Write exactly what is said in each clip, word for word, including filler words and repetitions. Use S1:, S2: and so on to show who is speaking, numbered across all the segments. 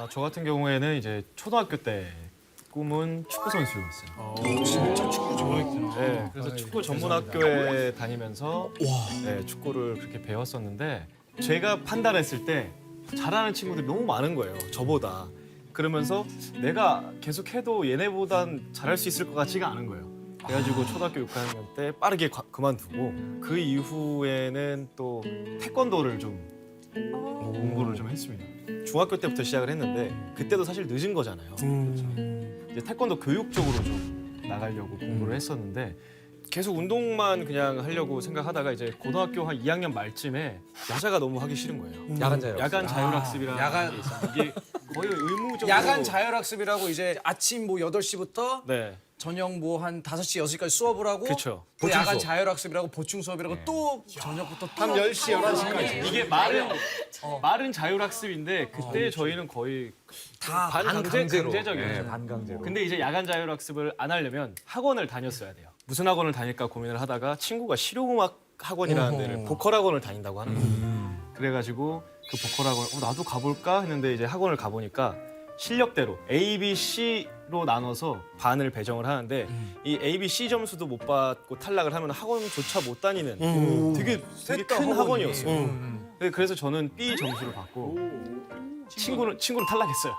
S1: 아, 저 같은 경우에는 이제 초등학교 때 꿈은 축구 선수였어요.
S2: 진짜 축구 좋아했구나.
S1: 네, 그래서 축구 전문 학교에 다니면서 네, 축구를 그렇게 배웠었는데 제가 판단했을 때 잘하는 친구들이 너무 많은 거예요. 저보다. 그러면서 내가 계속 해도 얘네보단 잘할 수 있을 것 같지가 않은 거예요. 그래가지고 초등학교 육 학년 때 빠르게 과- 그만두고 그 이후에는 또 태권도를 좀 공부를 좀 했습니다. 중학교 때부터 시작을 했는데 그때도 사실 늦은 거잖아요. 이제 태권도 교육 쪽으로 좀 나가려고 공부를 했었는데 계속 운동만 그냥 하려고 생각하다가 이제 고등학교 한 이 학년 말쯤에 여자가 너무 하기 싫은 거예요.
S3: 야간 자율학습.
S1: 야간 자율학습이라는
S2: 야간-
S1: 게 있어요. 이게 거의 의무적으로
S2: 야간 자율학습이라고 이제 아침 뭐 여덟 시부터
S1: 네.
S2: 저녁 뭐 한 다섯 시, 여섯 시까지 수업을 하고
S1: 그쵸.
S2: 또
S3: 보충
S2: 야간
S3: 수업.
S2: 자율학습이라고 보충 수업이라고 또 저녁부터 또
S4: 열 시, 열한 시까지.
S1: 이게 말은 말은 자율학습인데 그때 저희는 거의
S2: 다
S1: 반강제
S3: 반강제로.
S1: 강제적이었죠.
S3: 네, 반강제로.
S1: 근데 이제 야간 자율학습을 안 하려면 학원을 다녔어야 돼요. 무슨 학원을 다닐까 고민을 하다가 친구가 실용음악 학원이라는 데를 보컬 학원을 다닌다고 하는 거예요. 그래가지고 그 보컬 학원 어, 나도 가볼까 했는데 이제 학원을 가보니까 실력대로 A, B, C로 나눠서 반을 배정을 하는데 이 A, B, C 점수도 못 받고 탈락을 하면 학원조차 못 다니는 되게 되게 큰 학원이었어요. 네, 그래서 저는 B 점수를 받고 친구는 친구는 탈락했어요.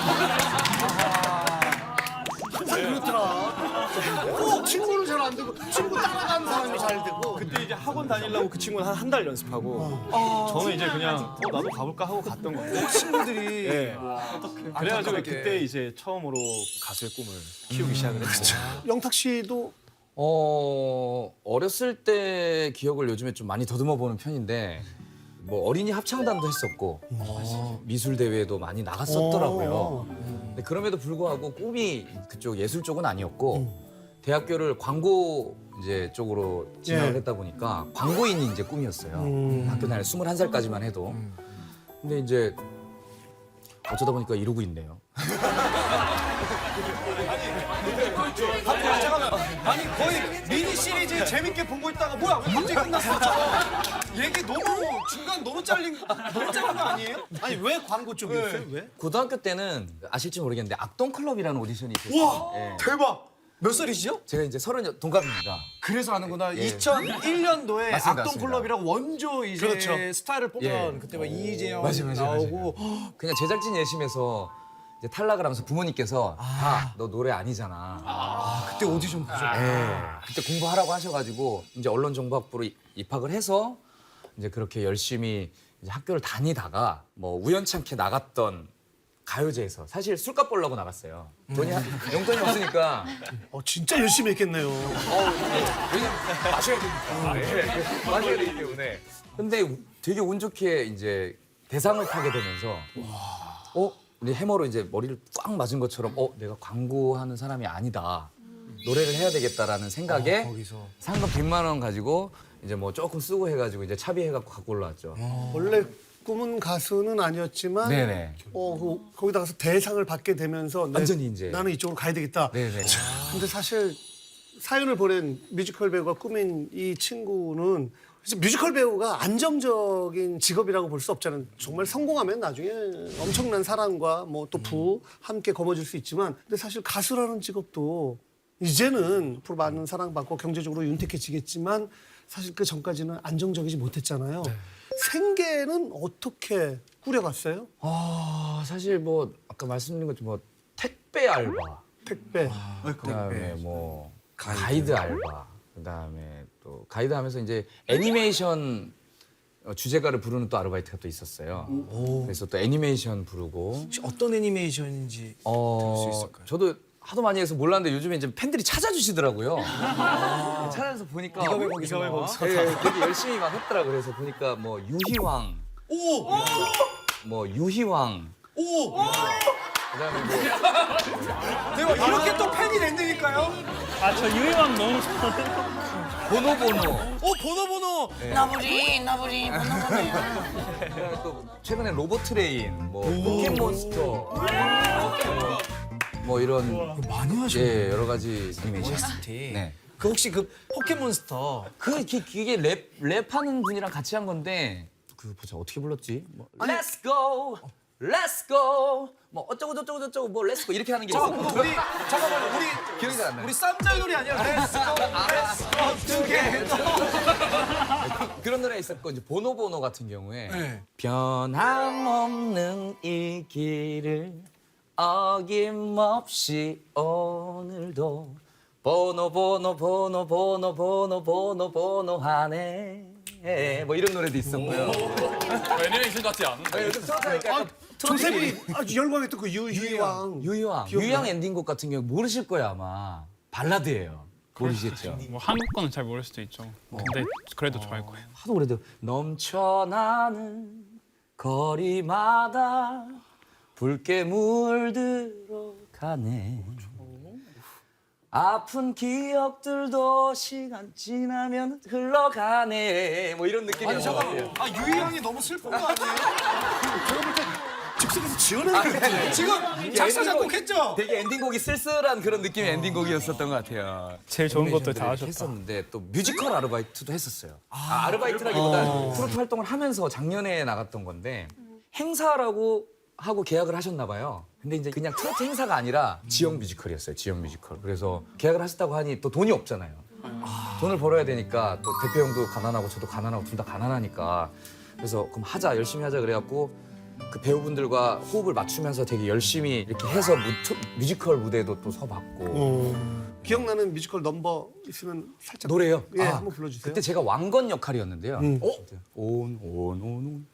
S4: 항상 그렇더라. 꼭 친구는 잘 안 되고 친구 따라가는 사람이 잘 되고.
S1: 그때 이제 학원 다니려고 그 친구는 한 한 달 연습하고 저는 이제 그냥 어, 나도 가볼까 하고 갔던 건데.
S2: 친구들이
S1: 네. 그래가지고
S2: 안타깝게.
S1: 그때 이제 처음으로 가수의 꿈을 키우기 시작을 했죠.
S4: 영탁 씨도
S3: 어 어렸을 때 기억을 요즘에 좀 많이 더듬어 보는 편인데 뭐 어린이 합창단도 했었고 미술 대회도 많이 나갔었더라고요. 근데 그럼에도 불구하고 꿈이 그쪽 예술 쪽은 아니었고 대학교를 광고 이제 쪽으로 진학을
S4: 예.
S3: 했다 보니까 광고인이 이제 꿈이었어요. 학교 다닐 스물한 살까지만 해도. 근데 이제 어쩌다 보니까 이러고 있네요.
S4: 아니 거의 미니 시리즈 재밌게 보고 있다가 뭐야 왜 갑자기 끝났어? 저거. 얘기 너무 중간 너무 잘린 너무 잘린 거 아니에요? 아니 왜 광고 쪽이었어요? 왜?
S3: 고등학교 때는 아실지 모르겠는데 악동 클럽이라는 오디션이 있었어요.
S4: 우와
S3: 예.
S4: 대박. 몇 살이시죠?
S3: 제가 이제 서른 동갑입니다.
S4: 그래서 아는구나.
S3: 예.
S4: 이천일 년도에
S3: 맞습니다,
S4: 악동
S3: 맞습니다.
S4: 클럽이라고 원조 이제
S1: 그렇죠.
S4: 스타를 뽑던
S3: 예.
S4: 그때 막 이재영
S3: 맞아요, 맞아요,
S4: 나오고
S3: 그냥 제작진 예심에서 이제 탈락을 하면서 부모님께서 아, 너 노래 아니잖아.
S4: 그때 오디션 보죠.
S3: 예. 그때 공부하라고 하셔가지고 이제 언론정보학부로 이- 입학을 해서 이제 그렇게 열심히 이제 학교를 다니다가 뭐 우연찮게 나갔던 가요제에서 사실 술값 벌려고 나갔어요. 돈이 한- 용돈이 없으니까
S4: 어 진짜 열심히 했겠네요.
S3: 왜냐면 마셔야 되니까. 네. 마셔야 되기 때문에. 근데 우- 되게 운 좋게 이제 대상을 타게 되면서 어? 근데 해머로 이제 머리를 꽉 맞은 것처럼 어? 내가 광고하는 사람이 아니다. 노래를 해야 되겠다라는 생각에
S4: 거기서.
S3: 상금 백만 원 가지고 이제 뭐 조금 쓰고 해가지고 이제 차비해갖고 갖고 올라왔죠.
S4: 원래 꿈은 가수는 아니었지만
S3: 네네.
S4: 어, 그, 거기다 가서 대상을 받게 되면서 내-
S3: 완전히 이제.
S4: 나는 이쪽으로 가야 되겠다.
S3: 네네.
S4: 근데 사실 사연을 보낸 뮤지컬 배우가 꿈인 이 친구는 그래서 뮤지컬 배우가 안정적인 직업이라고 볼 수 없잖아요. 정말 성공하면 나중에 엄청난 사랑과 뭐 또 부 함께 거머쥘 수 있지만 근데 사실 가수라는 직업도 이제는 앞으로 많은 사랑받고 경제적으로 윤택해지겠지만 사실 그 전까지는 안정적이지 못했잖아요. 생계는 어떻게 꾸려갔어요?
S3: 아 사실 뭐 아까 말씀드린 것처럼 뭐 택배 알바,
S4: 택배.
S3: 그다음에 뭐 가이드, 알바, 그다음에 또 가이드 하면서 이제 애니메이션 어, 주제가를 부르는 또 아르바이트가 또 있었어요. 그래서 또 애니메이션 부르고
S2: 혹시 어떤 애니메이션인지
S3: 어
S2: 수 있을까요?
S3: 저도 하도 많이 해서 몰랐는데 요즘에 이제 팬들이 찾아주시더라고요. 찾아서 보니까
S2: 네가 왜 거기서
S1: 네가 왜
S2: 나와?
S1: 거기서
S3: 예, 되게 열심히 막 했더라고요. 그래서 보니까 뭐 유희왕,
S4: 오!
S3: 뭐 유희왕,
S4: 오!
S3: 그다음에 뭐
S4: 대박. 이렇게 또 팬이 된다니까요?
S5: 아, 저 유희왕 너무 좋아해요.
S3: 보노보노.
S4: 오, 번호 번호.
S6: 나부리 나부리 번호번호야.
S3: 그다음에 또 최근에 로봇 트레인, 뭐 포켓몬스터, 뭐, 뭐 이런
S2: 많이 하셨네.
S3: 예 여러 가지 애니메이션.
S2: 오에스티.
S3: 네.
S2: 그 혹시 그 포켓몬스터
S3: 그 기- 그게 랩 랩하는 분이랑 같이 한 건데 그 보자 어떻게 불렀지? 뭐, Let's go, Let's go 뭐 어쩌고 저쩌고 저쩌고 뭐 Let's go 이렇게 하는 게 있어.
S2: 잠깐만 우리 잠깐만 우리
S3: 기억이 잘 안 나요.
S2: 우리 쌈장 놀이 아니야? Let's go, let's go together.
S3: 그런 노래 있었고 이제 보노보노 같은 경우에
S2: 네.
S3: 변함없는 이 길을 어김없이 오늘도 보노 보노 보노 보노 보노 보노 보노 하네 뭐 이런 노래도 있었고요.
S7: 애니메이션 같지 않은?
S3: 아, 요즘 트로트니까 약간
S4: 조셉이 아주 열광했던 그 유, 유희왕.
S3: 유희왕 유희왕 엔딩곡 같은 경우 모르실 거예요 아마. 발라드예요. 모르시겠죠?
S5: 뭐 한국 거는 잘 모를 수도 있죠. 근데 그래도 좋아할 거예요.
S3: 하도 그래도 넘쳐나는 거리마다 붉게 물들어 가네. 아픈 기억들도 시간 지나면 흘러가네. 뭐 이런 느낌이었던 것 같아요.
S2: 아 유희양이 너무 슬픈 거 아니에요?
S4: 즉석에서 지어낸
S2: 지금 작사 작곡했죠?
S3: 되게 엔딩곡이 쓸쓸한 그런 느낌의 엔딩곡이었었던 것 같아요.
S5: 제일 좋은 것도 다
S3: 애니메이션들을
S5: 하셨다.
S3: 했었는데 또 뮤지컬 아르바이트도 했었어요. 아, 아르바이트라기보다 트로트 활동을 하면서 작년에 나갔던 건데 행사라고 하고 계약을 하셨나 봐요. 근데 이제 그냥 트로트 행사가 아니라 지역 뮤지컬이었어요. 지역 뮤지컬. 그래서 계약을 하셨다고 하니 또 돈이 없잖아요. 돈을 벌어야 되니까 또 대표 형도 가난하고 저도 가난하고 둘 다 가난하니까 그래서 그럼 하자 열심히 하자 그래갖고 그 배우분들과 호흡을 맞추면서 되게 열심히 이렇게 해서 무, 뮤지컬 무대도 또 서봤고
S4: 어, 기억나는 뮤지컬 넘버 있으면 살짝
S3: 노래요?
S4: 예,
S3: 아,
S4: 한번 불러주세요.
S3: 그때 제가 왕건 역할이었는데요. 어? 온, 온, 온, 온.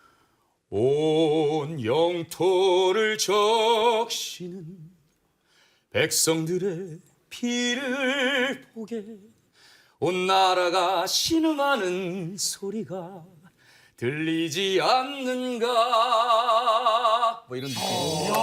S3: 온 영토를 적시는 백성들의 피를 보게 온 나라가 신음하는 소리가 들리지 않는가 뭐 이런 느낌.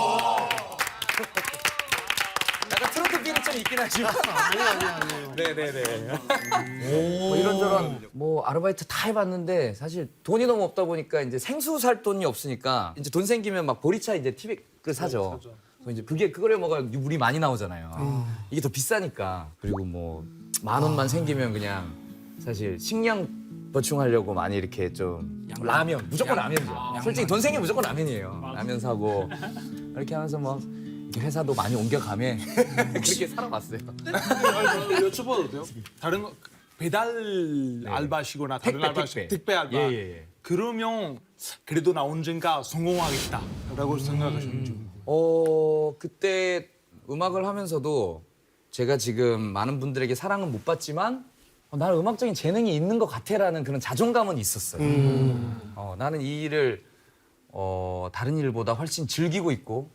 S3: 약간 트로트 비는 좀 있긴 하지만
S4: 아니에요, 아니에요, 아니에요.
S3: 네네네. 뭐 이런저런 뭐 아르바이트 다 해봤는데 사실 돈이 너무 없다 보니까 이제 생수 살 돈이 없으니까 이제 돈 생기면 막 보리차 이제 티백을 사죠. 그래서 이제 그게 그거에 뭐가 물이 많이 나오잖아요. 이게 더 비싸니까. 그리고 뭐 만 원만 생기면 그냥 사실 식량 보충하려고 많이 이렇게 좀 라면 무조건 라면이죠. 솔직히 돈 생기면 무조건 라면이에요. 라면 사고 이렇게 하면서 뭐 이렇게 회사도 많이 옮겨가며 그렇게 살아봤어요.
S7: 여쭤봐도 돼요? 다른 거 배달 알바시거나 다른
S3: 택배,
S7: 알바시
S3: 택배.
S7: 택배 알바.
S3: 예, 예, 예.
S7: 그러면 그래도 나 언젠가 성공하겠다라고 생각하셨는지.
S3: 어 그때 음악을 하면서도 제가 지금 많은 분들에게 사랑은 못 받지만 어, 나는 음악적인 재능이 있는 것 같아라는 그런 자존감은 있었어요. 어, 나는 이 일을 어, 다른 일보다 훨씬 즐기고 있고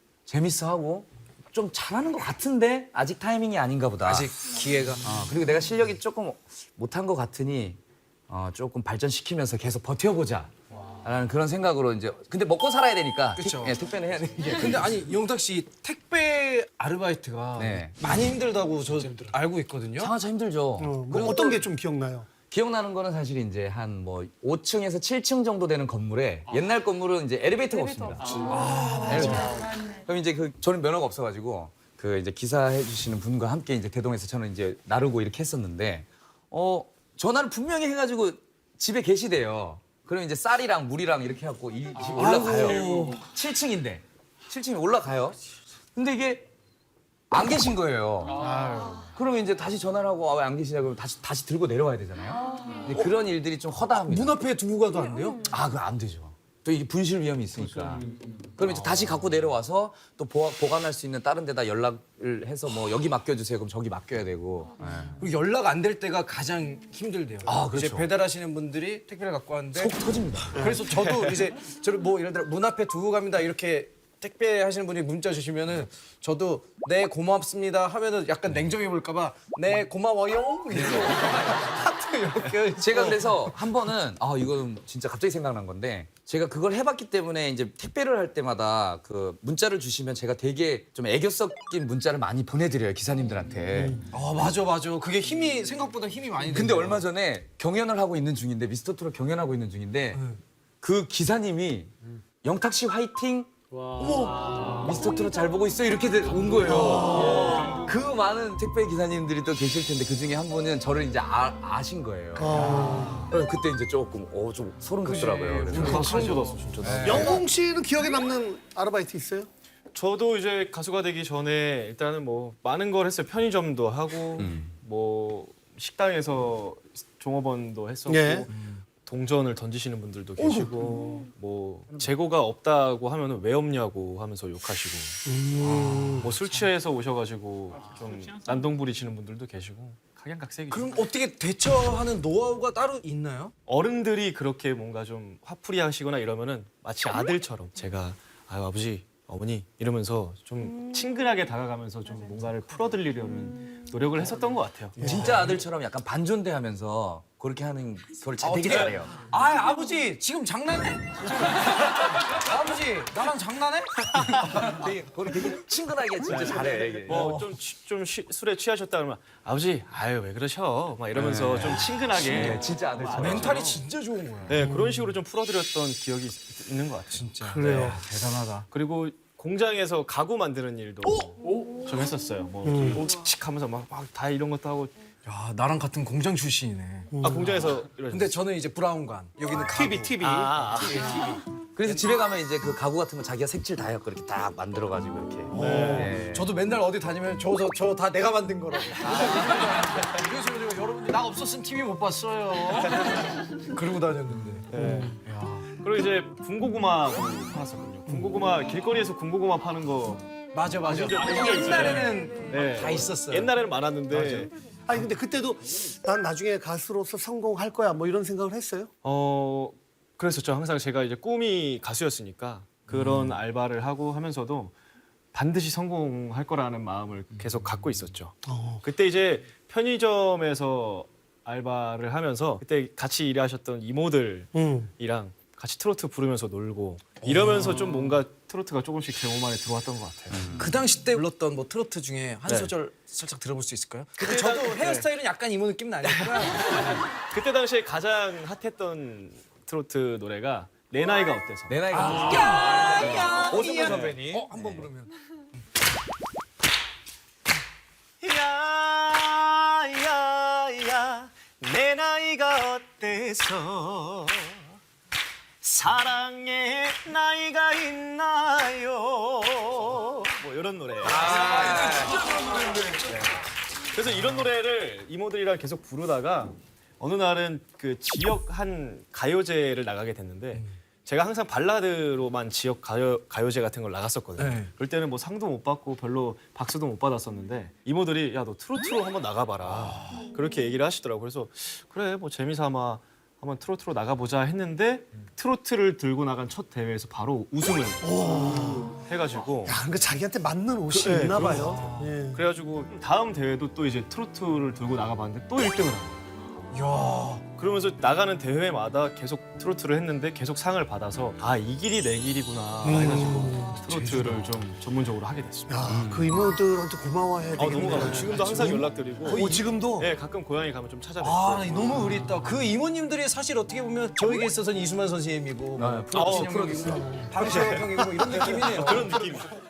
S3: 재밌어하고 좀 잘하는 것 같은데 아직 타이밍이 아닌가 보다.
S2: 아직 기회가.
S3: 어, 그리고 내가 실력이 조금 못한 것 같으니 어, 조금 발전시키면서 계속 버텨보자. 라는 그런 생각으로 이제 근데 먹고 살아야 되니까
S2: 그쵸.
S3: 택, 예, 택배는 해야 되니까.
S2: 근데 아니 영탁 씨 택배 아르바이트가
S3: 네.
S2: 많이 힘들다고 저 알고 있거든요.
S3: 상하차 힘들죠.
S4: 어, 뭐 어떤 게 좀 기억나요?
S3: 기억나는 거는 사실 이제 한 뭐 오 층에서 칠 층 정도 되는 건물에 옛날 건물은 이제 엘리베이터가 없습니다. 아, 엘리베이터. 그럼 이제 그 저는 면허가 없어가지고 그 이제 기사 해주시는 분과 함께 이제 대동에서 저는 이제 나르고 이렇게 했었는데 어 전화를 분명히 해가지고 집에 계시대요. 그럼 이제 쌀이랑 물이랑 이렇게 해갖고 이 집 올라가요. 칠 층인데 칠 층에 올라가요. 근데 이게 안 계신 거예요. 그러면 이제 다시 전화를 하고 아, 왜 안 계시냐 그러면 다시 다시 들고 내려와야 되잖아요. 근데 그런 일들이 좀 허다합니다.
S2: 문 앞에 두고 가도 안 돼요?
S3: 아, 그거 안 되죠. 또 이게 분실 위험이 있으니까. 그럼 이제 다시 갖고 내려와서 또 보, 보관할 수 있는 다른 데다 연락을 해서 뭐 여기 맡겨주세요. 그럼 저기 맡겨야 되고.
S2: 그리고 연락 안 될 때가 가장 힘들대요.
S3: 아, 그렇죠.
S2: 이제 배달하시는 분들이 택배를 갖고 왔는데
S3: 속 터집니다.
S2: 그래서 저도 이제 저를 뭐 예를 들어 문 앞에 두고 갑니다 이렇게 택배 하시는 분이 문자 주시면은 저도 네 고맙습니다 하면은 약간 냉정해 볼까봐 네 고마워요 이렇게 하트 이렇게
S3: 제가 그래서 한 번은 아 이거는 진짜 갑자기 생각난 건데 제가 그걸 해봤기 때문에 이제 택배를 할 때마다 그 문자를 주시면 제가 되게 좀 애교 섞인 문자를 많이 보내드려요 기사님들한테.
S2: 아 맞아 맞아 그게 힘이 생각보다 힘이 많이
S3: 근데
S2: 들어요.
S3: 얼마 전에 경연을 하고 있는 중인데 미스터 트롯 경연하고 있는 중인데 그 기사님이 영탁 씨 화이팅. 어머, 미스터 트롯 잘 보고 있어 이렇게 온 거예요. 그 많은 택배 기사님들이 또 계실 텐데 그 중에 한 분은 저를 이제 아, 아신 거예요.
S4: 어.
S3: 그래서 그때 이제 조금 어 좀 소름 돋더라고요. 그래서
S1: 나 소름 돋았어 진짜.
S4: 영웅 씨는 기억에 남는 아르바이트 있어요?
S1: 저도 이제 가수가 되기 전에 일단은 뭐 많은 걸 했어요. 편의점도 하고 뭐 식당에서 종업원도 했었고
S4: 예.
S1: 동전을 던지시는 분들도 계시고 뭐 재고가 없다고 하면은 왜 없냐고 하면서 욕하시고 뭐 술 취해서 오셔가지고 좀 난동 부리시는 분들도 계시고 각양각색이죠.
S2: 그럼 어떻게 대처하는 노하우가 따로 있나요?
S1: 어른들이 그렇게 뭔가 좀 화풀이 하시거나 이러면은 마치 아들처럼 제가 아유 아버지 어머니 이러면서 좀 친근하게 다가가면서 좀 뭔가를 풀어드리려는 노력을 했었던 것 같아요.
S3: 진짜 아들처럼 약간 반존대하면서 그렇게 하는 걸 잘 되게 잘해요.
S2: 아 아버지 지금 장난해? 아버지 나랑 장난해?
S3: 되게, 그걸 되게 친근하게 진짜 잘해. 이게.
S1: 뭐좀 좀 술에 취하셨다 그러면 아버지 아유 왜 그러셔 막 이러면서 좀 친근하게
S3: 네, 진짜 아들처럼.
S2: 멘탈이 진짜 좋은 거야.
S1: 네 그런 식으로 좀 풀어드렸던 기억이 있- 있는 것 같아요.
S2: 진짜.
S4: 그래요.
S2: 대단하다.
S1: 그리고 공장에서 가구 만드는 일도 좀 했었어요. 뭐 칙칙하면서 막 다 이런 것도 하고
S2: 야 나랑 같은 공장 출신이네.
S1: 아 공장에서 이런
S2: 근데 저는 이제 브라운관 여기는
S4: 티비, 티비.
S1: 아,
S3: 그래서 집에 가면 이제 그 가구 같은 거 자기가 색칠 다 해갖고 이렇게 딱 만들어가지고 이렇게. 네.
S2: 저도 맨날 어디 다니면 저저 저 다 내가 만든 거라고. 그래서 제가 여러분들 나 없었으면 티비 못 봤어요. 그러고 다녔는데.
S1: 그리고 이제 군고구마도 팔았었거든요. 군고구마 길거리에서 군고구마 파는 거
S2: 맞아 맞아.
S1: 진짜 되게
S2: 옛날에는
S1: 네.
S2: 다 있었어요.
S1: 옛날에는 많았는데
S4: 아니 근데 그때도 난 나중에 가수로서 성공할 거야 뭐 이런 생각을 했어요?
S1: 어 그랬었죠. 항상 제가 이제 꿈이 가수였으니까 그런 알바를 하고 하면서도 반드시 성공할 거라는 마음을 계속 갖고 있었죠. 그때 이제 편의점에서 알바를 하면서 그때 같이 일하셨던 이모들이랑
S4: 응.
S1: 같이 트로트 부르면서 놀고 이러면서 좀 뭔가 트로트가 조금씩 제 몸 안에 들어왔던 것 같아요.
S2: 그 당시 때 불렀던 뭐 트로트 중에 한
S1: 네.
S2: 소절 살짝 들어볼 수 있을까요? 근데 저도 헤어스타일은 약간 이모 느낌 나니까.
S1: 그때 당시에 가장 핫했던 트로트 노래가 내 나이가 어때서.
S3: 내 나이가
S2: 오승근 선배님. 어, 한번 부르면.
S1: 야야야 내 나이가 어때서 사랑의 나이가 있나요? 뭐 이런 노래. 아, 진짜 좋은 노래인데. 그래서 이런 노래를 이모들이랑 계속 부르다가 어느 날은 그 지역 한 가요제를 나가게 됐는데 제가 항상 발라드로만 지역 가요, 가요제 같은 걸 나갔었거든요.
S2: 네.
S1: 그럴 때는 뭐 상도 못 받고 별로 박수도 못 받았었는데 이모들이 야 너 트로트로 한번 나가봐라 그렇게 얘기를 하시더라고요. 그래서 그래 뭐 재미삼아 한번 트로트로 나가보자 했는데 트로트를 들고 나간 첫 대회에서 바로 우승을 해가지고
S4: 야, 그러니까 자기한테 맞는 옷이
S1: 그, 네,
S4: 있나
S1: 그런
S4: 봐요. 예.
S1: 그래가지고 다음 대회도 또 이제 트로트를 들고 나가봤는데 또 일 등을 한 거예요.
S2: 야.
S1: 그러면서 나가는 대회마다 계속 트로트를 했는데 계속 상을 받아서 아 이 길이 내 길이구나 해가지고 트로트를 좀 전문적으로 하게 됐습니다.
S4: 야, 그 이모들한테 고마워해야
S1: 아
S4: 되겠네.
S1: 너무 감사해요. 지금도 항상 연락드리고
S4: 오, 지금도?
S1: 네 가끔 고향에 가면 좀 찾아뵙고
S2: 아 너무 의리있다. 그 이모님들이 사실 어떻게 보면 저에게 있어서는 이수만 선생님이고 뭐
S1: 아,
S2: 프로듀서 형이고 방시혁 형이고 뭐 이런 느낌이네요.
S1: 그런 느낌이죠.